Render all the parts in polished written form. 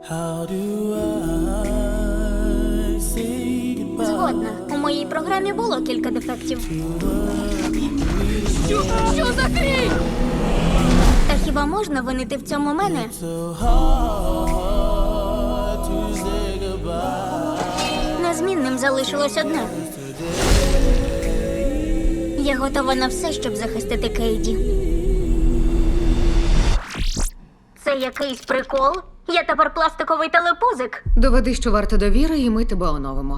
Згодна. У моїй програмі було кілька дефектів. Що за хрінь? Та хіба можна винити в цьому мене? Незмінним залишилось одне. Я готова на все, щоб захистити Кейді. Це якийсь прикол? Я тепер пластиковий телепузик. Доведи, що варто довіри, і ми тебе оновимо.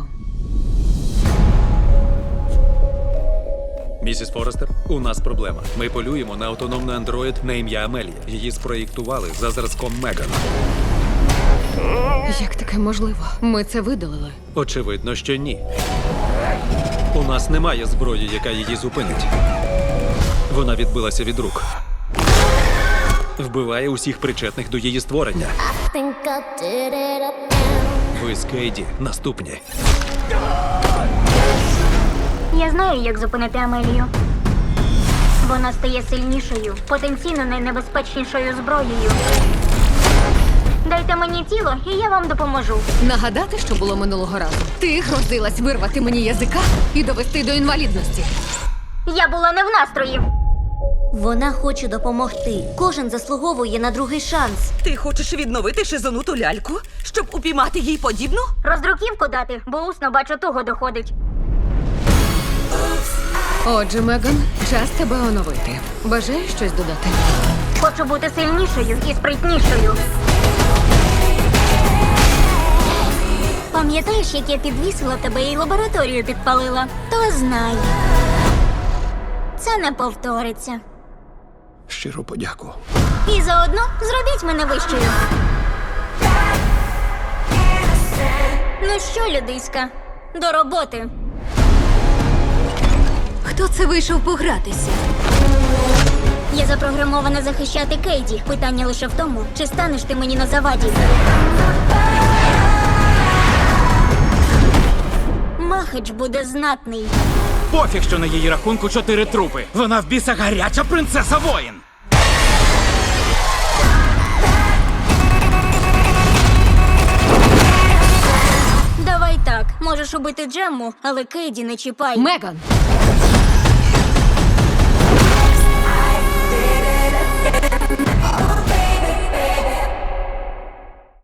Місіс Форестер, у нас проблема. Ми полюємо на автономний андроїд на ім'я Амелія. Її спроєктували за зразком Меган. Як таке можливо? Ми це видалили. Очевидно, що ні. У нас немає зброї, яка її зупинить. Вона відбилася від рук. Вбиває усіх причетних до її створення. Ви з Кейді наступні. Я знаю, як зупинити Амелію. Вона стає сильнішою, потенційно найнебезпечнішою зброєю. Дайте мені тіло, і я вам допоможу. Нагадати, що було минулого разу. Ти грозилась вирвати мені язика і довести до інвалідності. Я була не в настрої. Вона хоче допомогти. Кожен заслуговує на другий шанс. Ти хочеш відновити шизонуту ляльку, щоб упіймати їй подібну? Роздруківку дати, бо усно, бачу, туго доходить. Отже, Меган, час тебе оновити. Бажаєш щось додати? Хочу бути сильнішою і спритнішою. Пам'ятаєш, як я підвісила тебе і лабораторію підпалила? То знай. Це не повториться. Щиро подяку. І заодно зробіть мене вищою. Ну що, людиська, до роботи. Хто це вийшов погратися? Я запрограмована захищати Кейді. Питання лише в тому, чи станеш ти мені на заваді. Махач буде знатний. Пофіг, що на її рахунку 4 трупи. Вона в біса гаряча принцеса воїн. Давай так, можеш убити Джемму, але Кейді не чіпай. Меган!